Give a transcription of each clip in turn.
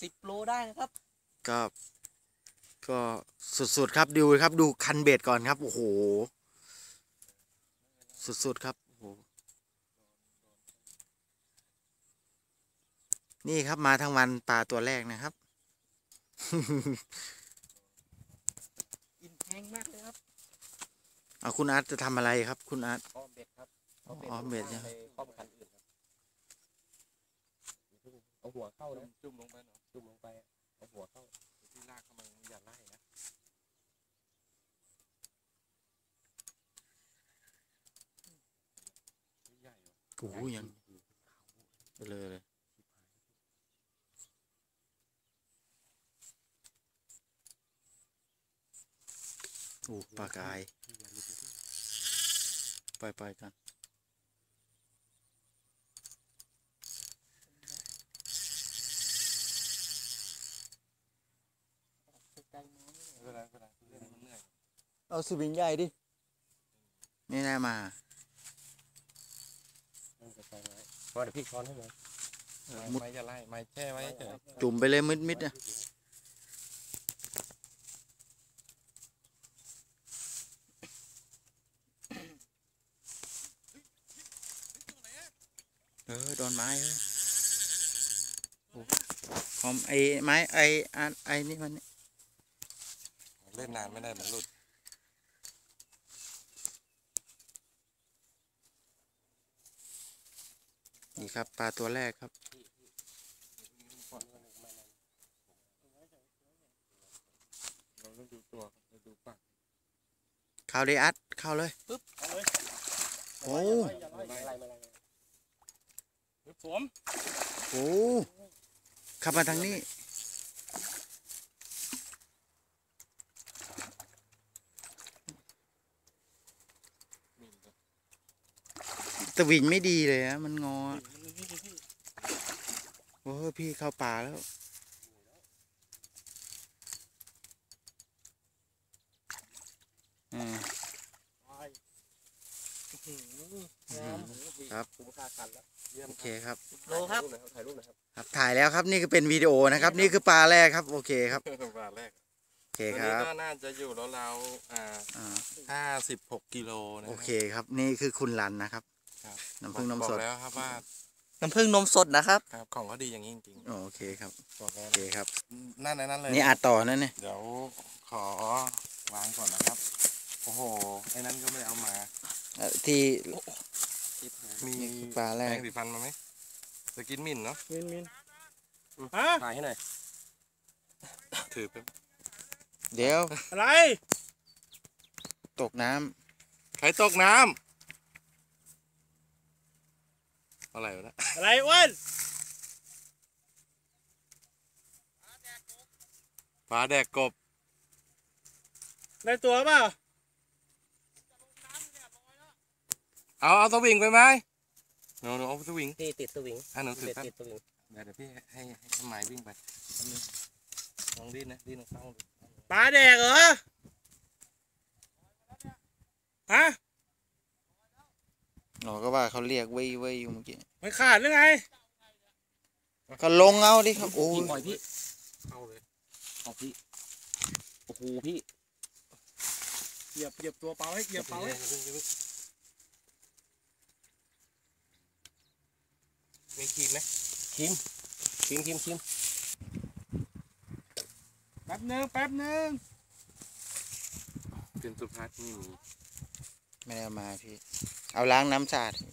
10 โลได้นะครับก็ก็สุดๆครับดูครับดูคันเบ็ดก่อนครับโอ้โหสุดๆครับโอ้โหนี่ครับมาทั้งวันปลาตัวแรกนะครับกินแพงมากเลยครับเอาคุณอาร์ตจะทำอะไรครับคุณอาร์ตอ้อมเบ็ดครับอ้อมเบ็ดใช่ไหมไปข้อมคันอื่นครับเอาหัวเข้านะจุ่มลงไปเนาะจุ่มลงไปเอาหัวเข้าที่ลากเข้ามาอย่าไล่นะใหญ่โอ้โหยังเลยโอ้ปลากายไปกันเอาสวิงใหญ่ดินี่ได้มาพอเดี๋ยวพี่ช้อนให้เลยไม้จะไล่ไม้แช่ไว้เฉยจุ่มไปเลยมิดๆนะโดนไม้เลยคอมไอ้ไม้ไอ้นี่มันเล่นนานไม่ได้มันหลุดนี่ครับปลาตัวแรกครับเราต้องดูตัวเราดูปากเข้าเลยอัดเข้าเลยปึ๊บเอาเลยโอ้ผมโอ้ขับมาทางนี้ตะวิงไม่ดีเลยนะมันงอโอ้พี่เข้าป่าแล้วครับโอเคครับโลครับครับถ่ายแล้วครับนี่ก็เป็นวิดีโอนะครับนี่คือปลาแรกครับโอเคครับปลาแรกโอเคครับก็น่าจะอยู่แล้วเรา56 กิโลนะโอเคครับนี่คือคุณรันนะครับน้ำผึ้งนมสดแล้วครับว่าน้ำผึ้งนมสดนะครับครับของเขาดีอย่างนี้จริงๆโอเคครับโอเคครับนั่นเลยนี่อัดต่อนั่นเนี่ยเดี๋ยวขอวางก่อนนะครับโอ้โหไอ้นั้นก็ไม่เอามาที่มีปลาแรกแปรงสีฟันมาไหมจะกินมิ่นเนาะมินถ่ายให้หน่อยถือไปเดี๋ยวอะไรตกน้ำใครตกน้ำอะไรวะนะอะไรอ้วนปลาแดกกบได้ตัวเปล่าเอาสวิงไปไหมหนูเอาสวิงพี่ติดสวิงหนูถือครับติดสวิงเดี๋ยวพี่ให้ไม้วิ่งไปลองดิ้นนะดิ้นลองเข้าปลาแดกเหรอฮะหนอก็ว่าเขาเรียกเว้ยอยู่เมื่อกี้ไม่ขาดหรือไงก็ลงเอาดิครับโอ้ยปล่อยพี่เข้าเลยเอาพี่โอ้โหพี่เหยียบตัวเปล่าให้เหยียบเปล่าให้มีครีมไหมครีมแป๊บนึงเป็นสุภาพนี่ไม่ได้มาพี่เอาล้างน้ำสะอาด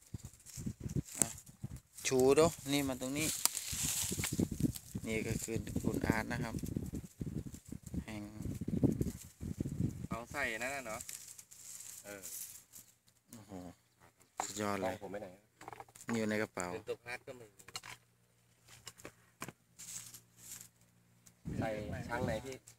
ชูดูนี่มาตรงนี้นี่ก็คือคุณอาร์ตนะครับแห่งเอาใส่นั่นเนาะโอ้โหสุดยอดเลยผมไปไหนอยู่ในกระเป๋าเป็นสุภาพก็มีใส่ช้างไหนพี่